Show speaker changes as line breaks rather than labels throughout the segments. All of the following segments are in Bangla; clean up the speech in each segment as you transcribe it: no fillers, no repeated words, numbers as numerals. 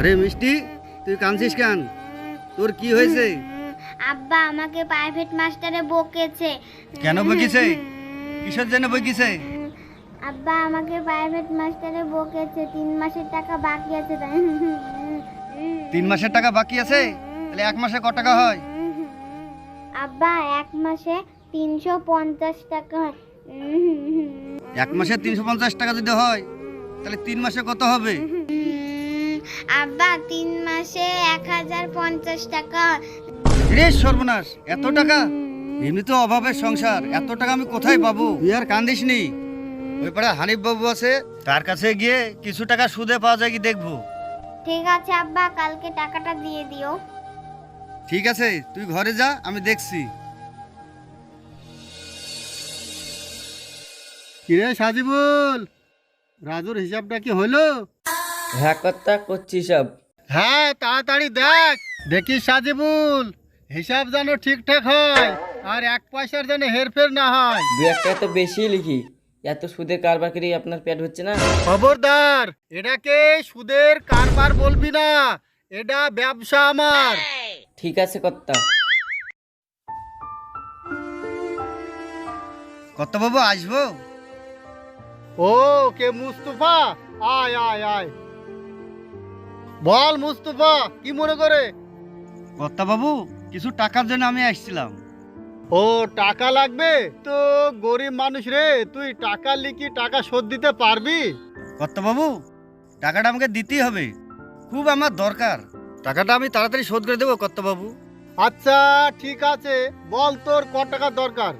আরে মিষ্টি, তুই কাঁদছিস কেন? তোর কি হয়েছে?
আব্বা আমাকে প্রাইভেট মাস্টারে বকেছে।
কেন বকিছে? কিসের জন্য বকিছে?
আব্বা আমাকে প্রাইভেট মাস্টারে বকেছে, 3 মাসের টাকা বাকি আছে তাই।
3 মাসের টাকা বাকি আছে? তাহলে 1 মাসে কত টাকা হয়?
আব্বা 1 মাসে 350 টাকা হয়।
1 মাসে 350 টাকা যদি হয় তাহলে 3 মাসে কত হবে?
আব্বা 3 মাসে 1050 টাকা।
রে সর্বনাশ, এত টাকা! এমনি তো অভাবের সংসার, এত টাকা আমি কোথায় পাবো? তুই আর কান্দিস নি। ওই পাড়া হানিফ বাবু আছে, তার কাছে গিয়ে কিছু টাকা সুদে পাওয়া যায় কি দেখবো।
ঠিক আছে আব্বা, কালকে টাকাটা দিয়ে দিও।
ঠিক আছে, তুই ঘরে যা, আমি দেখছি। কিরে সাজিবুল, রাজুর হিসাবটা কি হলো?
হ্যাঁ কর্তা, করছি সব।
হ্যাঁ, তাড়াতাড়ি দেখ। দেখিস সাজিবুল, হিসাব যেন ঠিকঠাক হয় আর 1 পয়সার যেন হেরফের না হয়।
দু একটা তো বেশি লিখি, এত সুদের কারবার করে আপনার পেট হচ্ছে না।
খবরদার, এটাকে সুদের কারবার বলবি না, এটা ব্যবসা আমার।
ঠিক আছে কর্তা।
কত বাবু আসবো? ও কে মুস্তফা? আয় আয় আয়, বল মুস্তফা, কি মনে করে? কর্তা বাবু, কিছু টাকার জন্য আমি আসছিলাম। ও টাকা লাগবে তো? গরিব মানুষ রে, তুই টাকা লিখি টাকা শোধ দিতে পারবি? কর্তা বাবু, টাকাটা আমাকে দিতেই হবে, খুব আমার দরকার। টাকাটা আমি তাড়াতাড়ি শোধ করে দেবো কর্তা বাবু। আচ্ছা ঠিক আছে, বল তোর কত টাকা দরকার?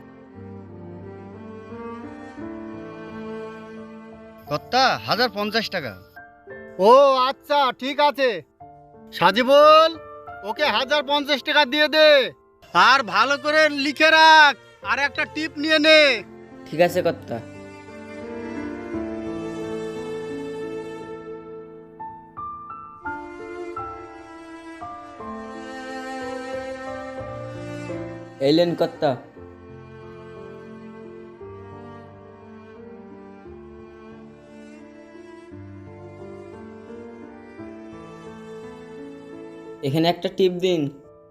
কর্তা 1050 টাকা। ও আচ্ছা ঠিক আছে, সাজিবুল ওকে 1050 টাকা দিয়ে দে, আর ভালো করে লিখে রাখ, আর একটা টিপ নিয়ে নে।
ঠিক আছে কর্তা। এলেন কর্তা। এখানে একটা টিপ দিন।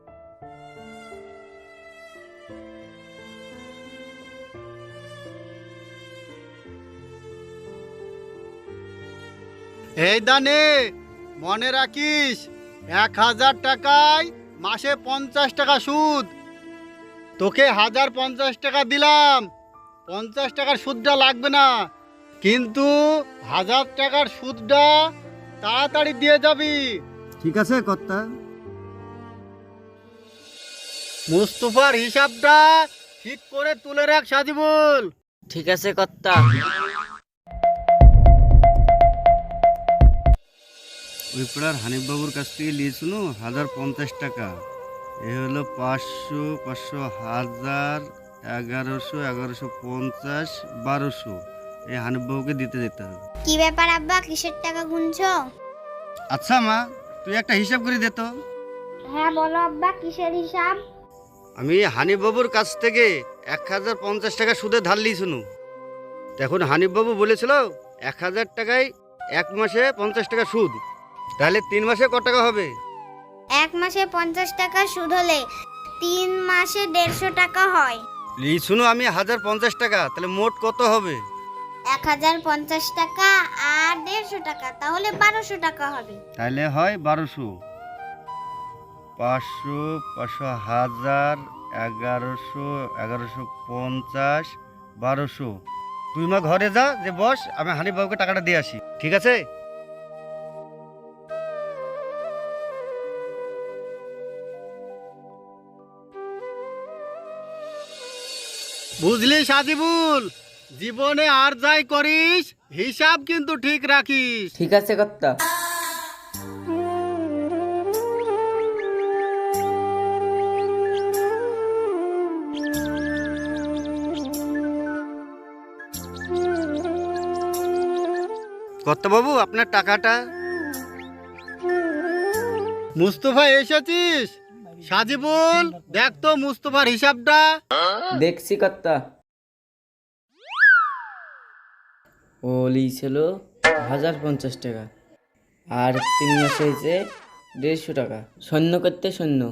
এই দানে মনে রাখিস, 1000 টাকায় মাসে 50 টাকা সুদ। তোকে 1050 টাকা দিলাম, 50 টাকার সুদটা লাগবে না, কিন্তু 1000 টাকার সুদটা তাড়াতাড়ি দিয়ে যাবি। ঠিক আছে কর্তা। মুস্তফার হিসাবটা ঠিক করে তুলে রাখ সাজিবুল।
ঠিক আছে কর্তা।
ওই পাড়ার হানিফ বাবুর কাছ থেকে নিয়েছিল 1050 টাকা। এ হলো 500, 500, 1000, 1100, 1150, 1200। এই হানিফ বাবুকে দিতে যেতে হবে।
কি ব্যাপার আব্বা, কিসের টাকা গুনছো?
আচ্ছা মা, তুই একটা হিসাব করে দে তো।
হ্যাঁ বলো আব্বা, কিসের হিসাব?
আমি হানিফ বাবুর কাছ থেকে 1050 টাকা সুদে ধার লিয়েছিল। এখন হানিফ বাবু বলেছিল 1000 টাকায় 1 মাসে 50 টাকা সুদ, তাহলে 3 মাসে কত টাকা হবে?
1 মাসে 50 টাকা সুদ হলে 3 মাসে 150 টাকা হয়।
লিয়েছিল আমি 1050 টাকা, তাহলে মোট কত হবে?
1050 টাকা আর 150 টাকা, তাহলে 1200 টাকা হবে।
তাহলে হয় 1200। 500, 500, 1000, 1100, 1150, 1200। তুই মা ঘরে যা, যে বস, আমি হানিফ বাবুকে টাকাটা দিয়ে আসি, ঠিক আছে? বুঝলি সাজিবুল, জীবনে আর যাই করিস হিসাব কিন্তু ঠিক রাখিস।
ঠিক আছে কর্তা।
কর্তা বাবু, আপনার টাকাটা। মুস্তফা এসেছিস? সাজিবুল দেখ তো মুস্তফার হিসাবটা।
দেখছি কর্তা। ও লিয়েছিল 1050 টাকা, আর 3 মাসে হয়েছে 150 টাকা। শূন্য করতে শূন্য,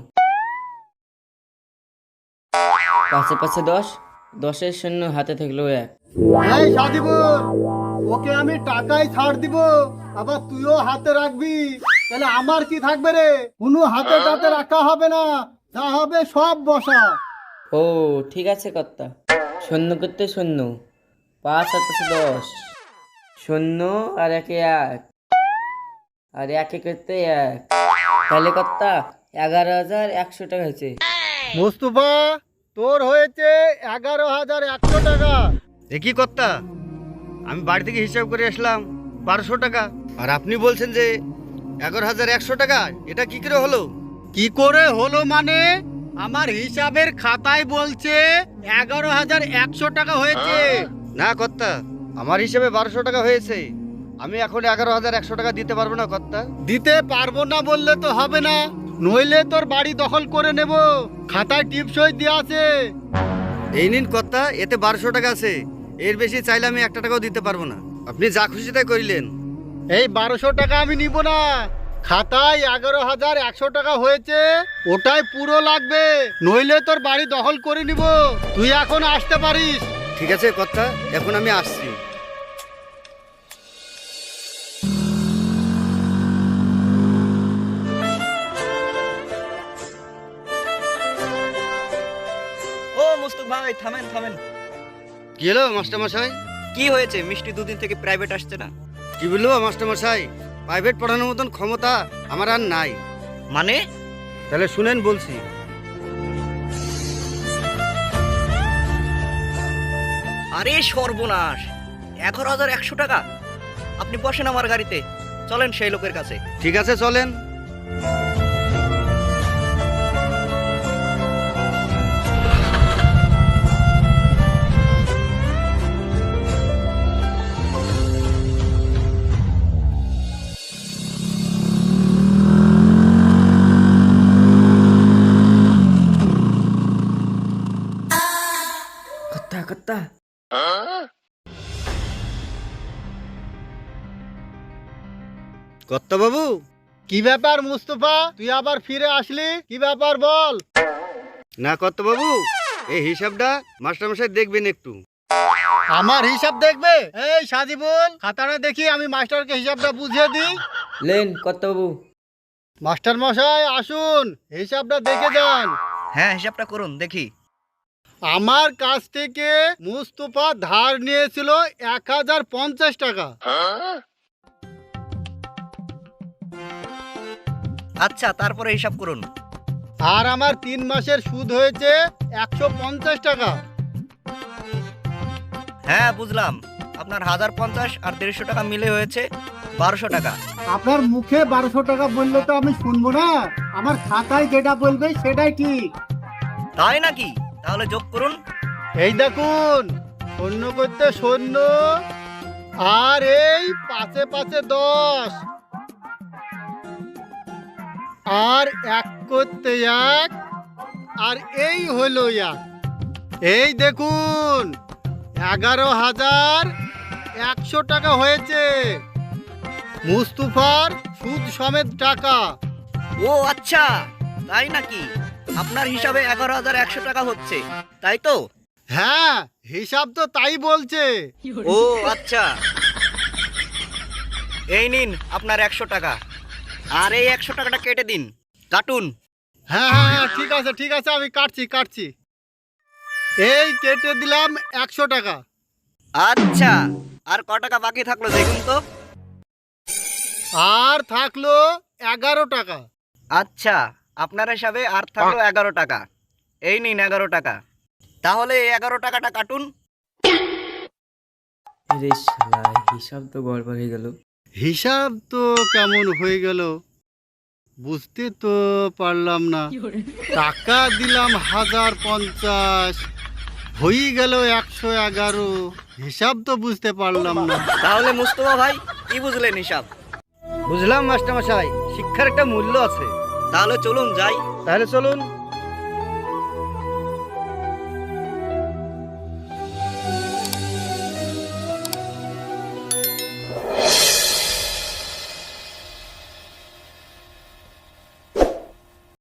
পাশে পাশে 10, 10-এর শূন্য হাতে থাকলো 1।
এই সাজিবুল, ওকে আমি টাকাই ছাড় দিব, আবার তুইও হাতে রাখবি, তাহলে আমার কি থাকবে রে? কোনো হাতে টাতে রাখা হবে না, যা হবে সব বসা।
ও ঠিক আছে কর্তা। শূন্য করতে শূন্য, 5 আর 5-এ 10, শূন্য আর 1-এ 1, আর 1-এ করতে 1। তাহলে কর্তা 11,100 টাকা হয়েছে।
মুস্তফা, তোর হয়েছে 11,100 টাকা। কি কর্তা, আমি বাড়ি থেকে হিসাব করে আসলাম 1200 টাকা, আর আপনি বলছেন যে 11,100 টাকা। এটা কি করে হলো? কি করে হলো মানে, আমার হিসাবের খাতায় বলছে 11,100 টাকা হয়েছে। না কর্তা, আমার হিসাবে 1200 টাকা হয়েছে। আমি এখন 11,100 টাকা দিতে পারবো না কর্তা। দিতে পারবো না বললে তো হবে না, নইলে তোর বাড়ি দখল করে নেব। খাতায় টিপসই দেওয়া আছে। এই নিন কর্তা, এতে 1200 টাকা আছে। এর বেশি চাইলে আমি 1 টাকাও দিতে পারবো না। আপনি যা খুশি তাই করিলেন। এই 1200 টাকা আমি নিব না। খাতায় 11,100 টাকা হয়েছে, ওটাই পুরো লাগবে, নইলে তোর বাড়ি দখল করে নিব। তুই এখন আসতে পারিস। ঠিক আছে কর্তা, এখন আমি আসছি।
ও মুস্তুক ভাই, থামেন থামেন।
কি হলো মাস্টারমশাই?
কি হয়েছে? মিষ্টি দুদিন থেকে প্রাইভেট আসছে না।
কি বললো মাস্টারমশাই? প্রাইভেট পড়ানোর মতন ক্ষমতা আমার আর নাই।
মানে?
তাহলে শুনেন বলছি।
আরে সর্বনাশ, 11,100 টাকা! আপনি বসেন আমার গাড়িতে, চলেন সেই লোকের কাছে।
ঠিক আছে চলেন।
কর্তা কর্তা,
কর্তা বাবু, কি ব্যাপার মুস্তফা, তুই আবার ফিরে আসলি? কি ব্যাপার বল। না কর্তা বাবু, এই হিসাবটা মাস্টারমশাই দেখবেন একটু। আমার হিসাব দেখবে? এই সাজিবুল, খাতাটা দেখি, আমি মাস্টারকে হিসাবটা বুঝিয়ে দিই।
লেন কর্তা বাবু।
মাস্টার মশাই আসুন, হিসাবটা দেখে যান।
হ্যাঁ, হিসাবটা করুন দেখি।
আমার কাছ থেকে মুস্তফা ধার নিয়েছিল 1,050 টাকা।
আচ্ছা, তারপরে হিসাব করুন।
আর আমার 3 মাসের সুদ হয়েছে 150 টাকা।
হ্যাঁ বুঝলাম, আপনার 1,050 আর 150 টাকা মিলে হয়েছে 1200 টাকা।
আপনার মুখে 1200 টাকা বললে তো আমি শুনবো না, আমার খাতায় যেটা বলবে সেটাই ঠিক।
তাই নাকি? তাহলে যোগ করুন।
এই দেখুন, শূন্য করতে শূন্য, আর এই 5-এ 5-এ 10, আর 1 করতে 1, আর এই হলো 1। এই দেখুন, 11,100 টাকা হয়েছে মুস্তফার সুদ সমেত টাকা।
ও আচ্ছা, তাই নাকি? আপনার হিসাবে 11,100 টাকা হচ্ছে, তাই তো?
হ্যাঁ, হিসাব তো তাই বলছে।
ও আচ্ছা, এই নিন আপনার 100 টাকা, আর এই 100 টাকাটা কেটে দিন, কাটুন।
হ্যাঁ হ্যাঁ হ্যাঁ, ঠিক আছে ঠিক আছে, আমি কাটছি। এই কেটে দিলাম 100 টাকা।
আচ্ছা, আর ক টাকা বাকি থাকলো দেখুন তো।
আর থাকলো 11 টাকা।
আচ্ছা, আপনার হিসাবে আর থাকলো 11 টাকা। এই নিন 11 টাকা। তাহলে এই 11 টাকাটা কাটুন।
আরে শালা, হিসাব তো গড়বড় হয়ে গেল।
হিসাব তো কেমন হয়ে গেল বুঝতে তো পারলাম না। টাকা দিলাম 1,050, হয়ে গেল 111। হিসাব তো বুঝতে পারলাম না।
তাহলে মুস্তফা ভাই, কি বুঝলেন হিসাব?
বুঝলাম মাস্টারমশাই, শিক্ষার একটা মূল্য আছে।
তাহলে চলুন যাই।
তাহলে চলুন।